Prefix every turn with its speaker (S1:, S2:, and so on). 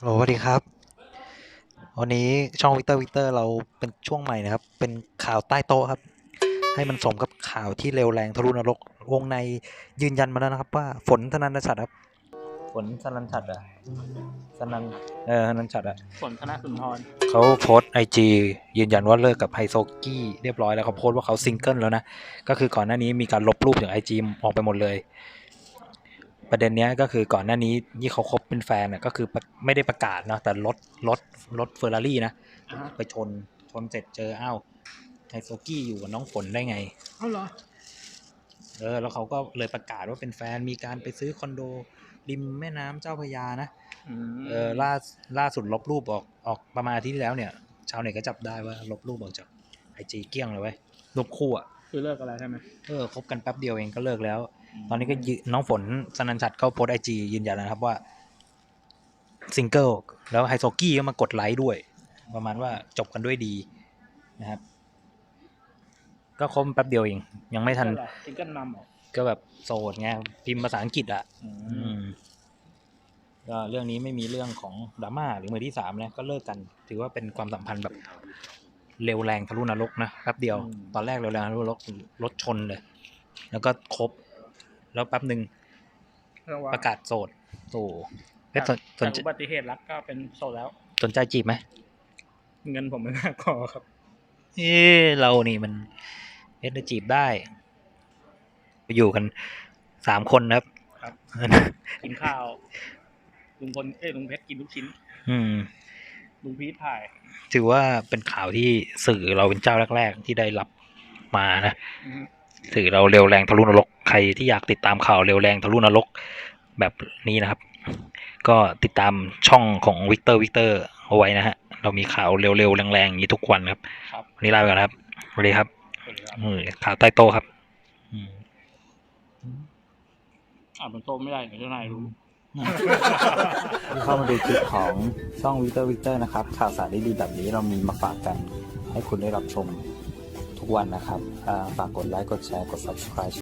S1: สวัสดีครับวันนี้ช่องวิกเตอร์เราเป็นช่วงใหม่นะครับเป็นข่าวใต้โต๊ะครับให้มันสมกับข่าวที่เร็วแรงทะลุนรกวงในยืนยันมาแล้วนะครับว่าฝนธนันชัดครับฝนธนันชัดสนันธนันชัด
S2: ฝนธนสุนทร
S1: เขาโพสไอจียืนยันว่าเลิกกับไฮโซกี้เรียบร้อยแล้วเขาโพสว่าเขาซิงเกิลแล้วนะก็คือก่อนหน้านี้มีการลบรูปจากไอจีออกไปหมดเลยประเด็นนี้ก็คือก่อนหน้านี้ที่เขาคบเป็นแฟนก็คือไม่ได้ประกาศเนาะแต่รถเฟอร์รารี่นะไปชนเสร็จเจอไฮโซกี้อยู่กับน้องฝนได้ไง
S2: เหรอ
S1: แล้วเขาก็เลยประกาศว่าเป็นแฟนมีการไปซื้อคอนโดริมแม่น้ำเจ้าพระยานะล่าสุดลบรูปออกประมาณอาทิตย์ที่แล้วเนี่ยชาวเน็ตก็จับได้ว่าลบรูปออกจากไอจีเกลี้ยงเลยเว้ยรูปคู่
S2: คือเลิกอะไรใช่ไหม
S1: คบกันแป๊บเดียวเองก็เลิกแล้วตอนนี้ก็น้องฝนสนันชัดเขาโพสไอจียืนยันแล้วครับว่าซิงเกิลแล้วไฮโซกี้ก็มากดไลค์ด้วยประมาณว่าจบกันด้วยดีนะครับก็คบแป๊บเดียวเองยังไม่ทัน
S2: ซิงเกิลมัมหรอ
S1: ก็แบบโสดไงพิมพ์ภาษาอังกฤษก็เรื่องนี้ไม่มีเรื่องของดราม่าหรือมือที่สามนะก็เลิกกันถือว่าเป็นความสัมพันธ์แบบเร็วแรงทะลุนรกนะแป๊บเดียวตอนแรกเร็วแรงทะลุนรกรถชนเลยแล้วก็คบแล้วแป๊บหนึ่งประกาศโสดโอ้
S2: จากอุบัติเหตุรักก็เป็นโสดแล้ว
S1: สนใจจีบไหม
S2: เงินผมไม่มากพอครับ
S1: เรานี่มันจีบได้อยู่กัน3 คนครับ
S2: กินข้าวลุงพลลุงเพชรกินลูกชิ้นลุงพีทถ่าย
S1: ถือว่าเป็นข่าวที่สื่อเราเป็นเจ้าแรกๆที่ได้รับมานะสื่อเราเร็วแรงทะลุนรกใครที่อยากติดตามข่าวเร็วแรงทะลุนรกแบบนี้นะครับก็ติดตามช่องของวิกเตอร์เอาไว้นะฮะเรามีข่าวเร็วๆแรงๆอย่างนี้ทุกวันครับวันนี้ลาไปก่อนครับสวัสดีครับข่าวใต้โต๊ะครับ
S2: บนโต๊ะไม่ได้เดี๋ยวเจ้านายรู้
S1: เข้ามาดูคลิปของช่องวิกเตอร์นะครับข่าวสารดีๆแบบนี้เรามีมาฝากกันให้คุณได้รับชมทุกวันนะครับฝากกดไลค์กดแชร์กด subscribe